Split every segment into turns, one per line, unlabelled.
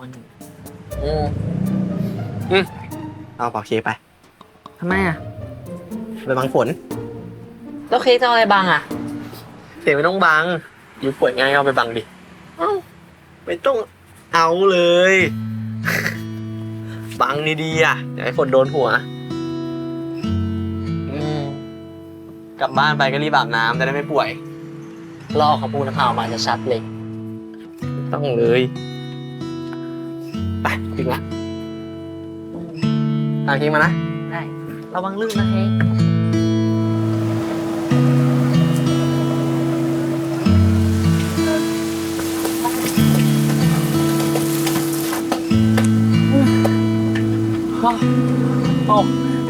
อนอยู่
อืมเอาเป่าเค้กไป
ทำไมอ่ะ
ไปบังฝน
แล้วเค้กจะเอาอะไรบังอ่ะ
เสียไม่ต้องบังอยู่ป่วยง่ายเอาไปบังดิเอ้าไม่ต้องเอาเลยบังดีๆอ่ะอย่าให้ฝนโดนหัวกลับบ้านไปก็รีบอาบน้ำจะได้ไม่ป่วย
ลอกของปูน้ำเผามาจะชัดเลย
ต้องเลยไปถึงละตามเค้กมานะ
ได้ระวังลื่นนะเค้กโอ้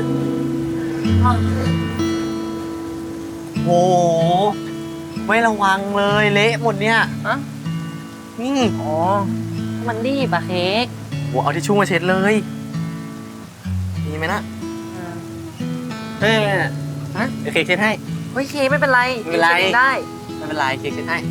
โหไม่ระวังเลยเละหมดเนี่ย
อะอ๋อมันรีบอะเค้ก
โหเอาทิชชู่มาเช็ดเลยมีไหมนะเฮ้ยฮะเดี๋ยวเค้กเช็ดให้
เฮ้ยเค้กไม่เป็นไร
ไม่เป็นไร
ได้
ไม่เป็นไรเค้กเช็ดให้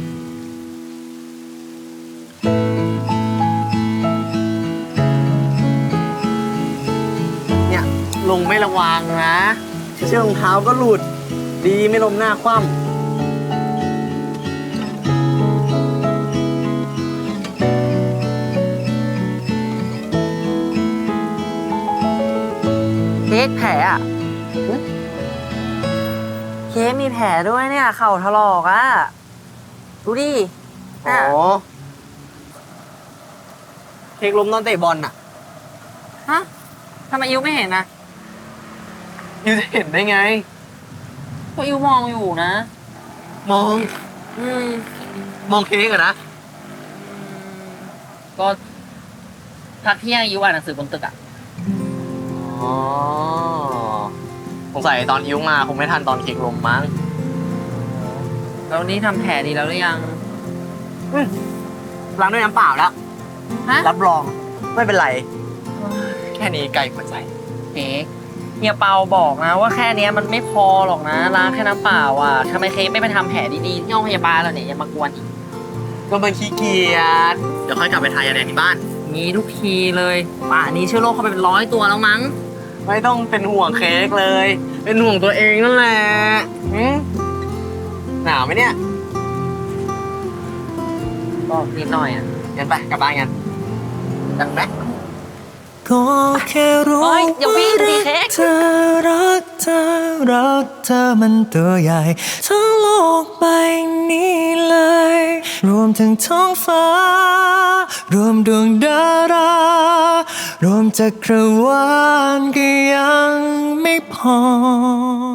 เนี่ยลงไม่ระวังนะเชือกรองเท้าก็หลุดดีไม่ล้มหน้าคว่ำ
เค้กแผลอ่ะเค้กมีแผลด้วยเนี่ยเข่าถลอกอ่ะดูดิ
อ๋อเค้กล้มตอนเตะบอลน่ะ
ฮะทำไมอิวไม่เห็นนะ
ยูจะเห็นได้ไง
ก็อิวมองอยู่นะ
มองมองเค้กอะนะ
ก็พักเที่ยงอิวอ่านหนังสือบนตึกอ่ะ
อ๋อสงสัยตอนอิ้วมาคงไม่ทันตอนเค้กล้มมั้ง
แล้วนี่ทำแผลดีแล้วหรือยัง
ล้างด้วยน้ำเปล่าแล้วรับรองไม่เป็นไรแค่นี้ไก่หัวใจ
เค้กเฮียเปาบอกนะว่าแค่นี้มันไม่พอหรอกนะล้างแค่น้ำเปล่าอ่ะทำไมเค้กไม่ไปทำแผลดีๆที่ห้องพยาบาลแล้วเนี่ยยังมากวนอีก
ก็มันขี้เกียจเดี๋ยวค่อยกลับไปทายาแดงที่บ้าน
มีทุกทีเลยป่านนี้เชื้อโรคเข้าไปเป็น100 ตัวแล้วมั้ง
ไม่ต้องเป็นห่วงเค้กเลยเป็นห่วงตัวเองนั่นแหละหนาวไหมเนี่ย
ก็นิดหน่อยอ่ะ
งั้นไปกลับบ้านกันดังแบ๊ก
ก็แค่รู้ว่ารักเธอรักเธอรักเธอมันตัวใหญ่ทั้งโลกใบนี้เลยรวมถึงท้องฟ้ารวมดวงดารารวมจักรวาลก็ยังไม่พอ